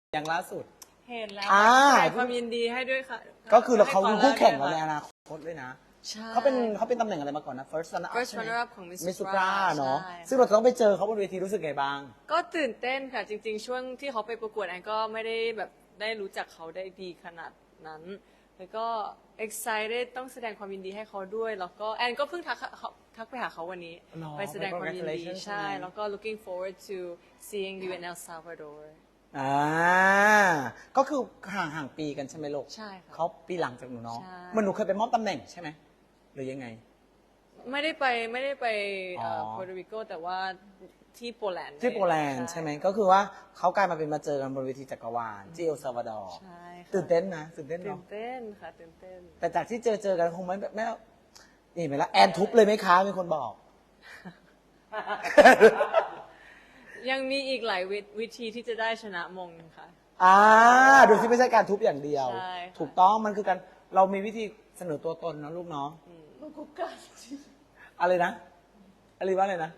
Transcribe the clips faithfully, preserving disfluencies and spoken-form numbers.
อย่างล่าสุดเห็นแล้วอ่าแสดงความยินดีให้ด้วยค่ะก็คือเราเขาให้คู่แข่งเราด้วยในค่ะอนาคตด้วยนะใช่เขาเป็นเขาเป็นตำแหน่งอะไรมาก่อนนะ first runner up First ใช่ไหม runner up ของ Miss มิสซู Supra ปราเนาะใช่ซึ่งเราจะต้องไปเจอเขาบนเวทีรู้สึกไงบ้างก็ตื่นเต้นค่ะ จริง ๆ ช่วงที่เขาไปประกวดแอนก็ไม่ได้แบบได้รู้จักเขาได้ดีขนาดนั้น แล้วก็ excited ต้องแสดงความยินดีให้เขาด้วย แล้วก็แอนก็เพิ่งทักเขาทักไปหาเขาวันนี้หรอไปแสดงความยินดี Congratulations ใช่ใช่ไหมแล้วก็ looking forward to seeing you in El Salvador อ่าก็คือห่างห่างปีกันใช่ไหมลูกใช่ค่ะเขาปีหลังจากหนูเนาะใช่มันหนูเคยไปมอบตำแหน่งใช่ไหมหรือยังไงไม่ได้ไปไม่ได้ไปเอ่ออ๋อโปรตุเกสแต่ว่าที่โปแลนด์ที่โปแลนด์ใช่ไหมก็คือว่าเขากลายมาเป็นมาเจอกันบนเวทีจักรวาลที่เอลซาวาดอร์ใช่ค่ะตื่นเต้นนะตื่นเต้นตื่เนาะนเต้นค่ะตื่นเต้นแต่จากที่เจอเจอกันคงไม่ไม่นี่ไหมล่ะแอนทุบเลยไหมคะมีคนบอกยังมีอีกหลายวิวิธีที่จะได้ชนะมงค่ะอ่าโดยที่ไม่ใช่การทุบอย่างเดียวใช่ค่ะถูกต้องมันคือการเรามีวิธีเสนอตัวตนนะลูกเนาะอะไรนะอะไรว่าอะไรนะ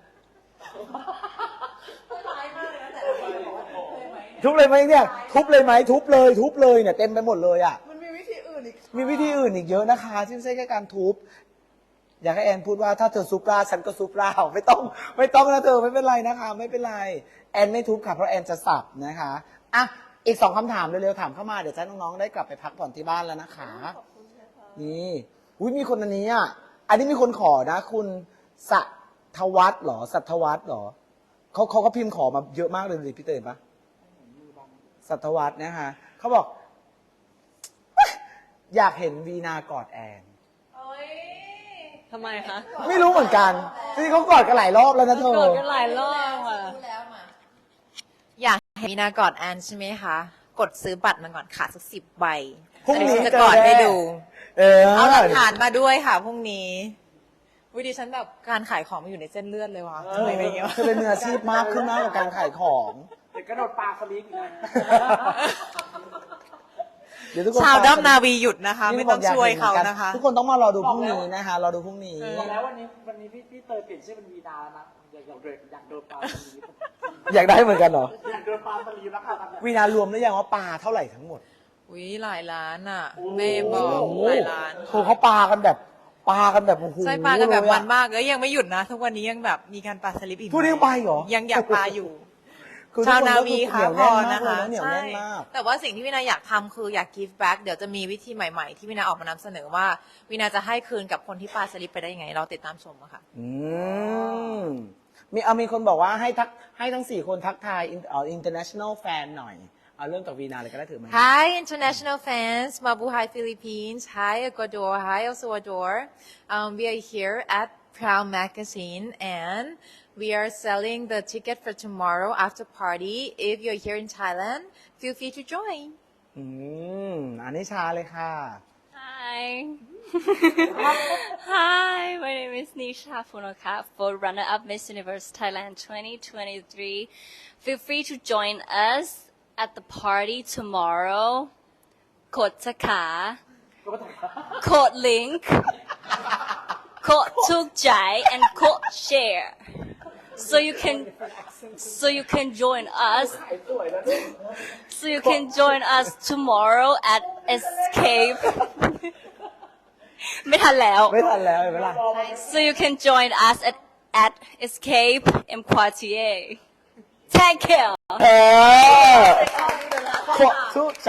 ทุบเลยไหมเนี่ยทุบเลยไหมทุบเลยทุบเลยเนี่ยเต็มไปหมดเลยอ่ะมันมีวิธีอื่นอีกมีวิธีอื่นอีกเยอะนะคะที่ไม่ใช่แค่การทุบอยากให้แอนพูดว่าถ้าเธอซุปราฉันก็ซุปราไม่ต้องไม่ต้องนะเธอไม่เป็นไรนะคะ ไม่เป็นไรแอนไม่ทุบค่ะเพราะแอนจะสับนะคะอ่ะอีกสองคำถามเร็วๆถามเข้ามาเดี๋ยวจะน้องๆได้กลับไปพักผ่อนที่บ้านแล้วนะคะนี่อุ้ยมีคนอันนี้อ่ะอันนี้มีคนขอนะ คุณสัทวัฒน์เหรอสัทวัฒน์เหรอเขาเขาก็พิมพ์ขอมาเยอะมากเลยดิพี่เตยปะสัทวัฒน์นะคะเขาบอก อยากเห็นวีนากอดแอนทำไมคะไม่รู้เหมือนกันที่เขากอดกันหลายรอบแล้วนะเธอกอดกันหลายรอบค่ะอยากเห็นมีนากอดแอนใช่ไหมคะ กดซื้อบัตรมาก่อนค่ะสักสิบใบพรุ่งนี้ฉัจะเจกออดแน่ให้ดูเออเอาหลักฐานมาด้วยค่ะพรุ่งนี้วิดิฉันแบบการขายของมันอยู่ในเส้นเลือดเลยว่ะเอทำไมอเป็นอย่างเงี้ยเธอเป็นมืออาชีพมากขึ้นมากกับการขายของเดี๋ยวกระโดดปลาสลิปอีกนะเดี๋ยวทุกคนชาวด้อมนาวีหยุดนะคะ ไม่ต้องช่วยเขานะคะทุกคนต้องมารอดูพรุ่งนี้นะคะรอดูพรุ่งนี้บอกแล้ววันนี้วันนี้พี่พี่เตยเปลี่ยนชื่อเป็นวีนาแล้วนะอยากอยากโดดอยากโดนปลาสลิปอยากได้เหมือนกันเหรออยากโดนปลาสลิปแล้วค่ะตอนนี้วีนารวมหรือยังว่าปลาเท่าไหร่ทั้งหมดวิหลายล้านอ่ะแม่บอกหลายล้านโอ้โหเขาปลากันแบบปลากันแบบโอ้โหใช่ปลากันแบบเลยอะมันมากแล้วยังไม่หยุดนะ ทุกวันนี้ยังแบบมีการปลาสลิปอีกพรุ่งนี้ยังไปเหรอยังอยากปลาอยู่คือชาวทุกนาก็วีอค่ะเหนียวพแน่อนมากนะเลยคะนะเหนียวใช่แน่นมากแต่ว่าสิ่งที่วินาอยากทำคืออยาก give back เดี๋ยวจะมีวิธีใหม่ๆ ที่วินาออกมานำเสนอว่าวินาจะให้คืนกับคนที่ปาสลิปไปได้ยังไง เราติดตามชมอะค่ะอืมมีเอามีคนบอกว่าให้ทักให้ทั้งสี่คนทักทายอินเอ่อ international fan หน่อย เอาเริ่มจากวีนาเลยก็ได้ถือไหม Hi international fans Mabuhay Philippines Hi Ecuador Hi El Salvador um, we are here at Proud Magazine and we are selling the ticket for tomorrow after party if you're here in Thailand feel free to join อืมอันนี้ชาเลยค่ะ Hi. Hi, my name is Nisha Funoka for runner-up Miss Universe Thailand twenty twenty-three. Feel free to join us at the party tomorrow. Code Taka. Code Link. Code Tukjai and Code Share. So you can, so you can join us. So you can join us tomorrow at Escape. ไม่ทันแล้วไม่ทันแล้วเห็นไหมล่ะ So you can join us at at Escape M Quartier. Thank you. เออขวสุใจ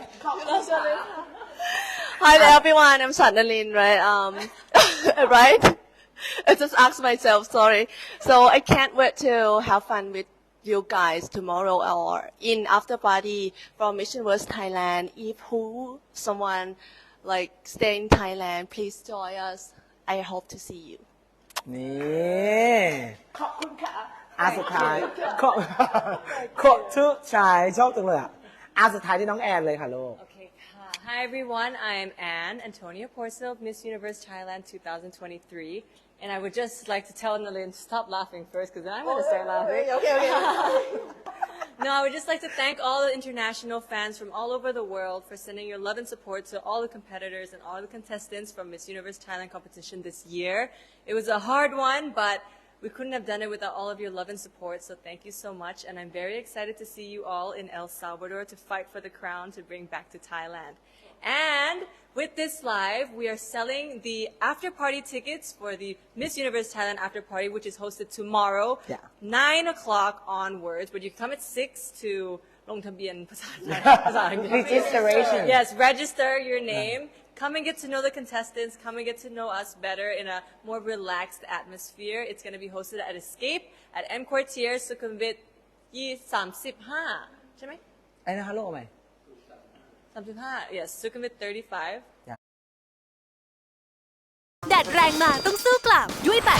Hi there, everyone. I'm Shanalin, right? Um, right? I just asked myself, sorry. So I can't wait to have fun with you guys tomorrow or in after party from Miss Universe Thailand. If who, someone like stay in Thailand, please join us. I hope to see you. นี่ขอบคุณค่ะอาสุดท้ายขอขอทุกชายชอบจังเลยอ่ะอาสุดท้ายที่น้องแอนเลยค่ะลูก Okay, hi everyone. I am Anne Antonia Porcel, Miss Universe Thailand twenty twenty-three. And I would just like to tell Nalin to stop laughing first because then I'm going to start laughing. Okay, okay. No, I would just like to thank all the international fans from all over the world for sending your love and support to all the competitors and all the contestants from Miss Universe Thailand competition this year. It was a hard one, but we couldn't have done it without all of your love and support, so thank you so much. And I'm very excited to see you all in El Salvador to fight for the crown to bring back to Thailand. And with this live, we are selling the after party tickets for the Miss Universe Thailand after party, which is hosted tomorrow, Yeah. nine o'clock onwards. But you can come at six to ลงทะเบียนภาษาไทยภาษาอังกฤษ Registration. Yes, register your name. Come and get to know the contestants. Come and get to know us better in a more relaxed atmosphere. It's going to be hosted at Escape at M Quartier, Sukhumvit thirty-five. ใช่ไหมไอ้นะคะโลกไหม thirty-five. Yes, Sukhumvit thirty-five. แดดแรงมาต้องสู้กลับด้วย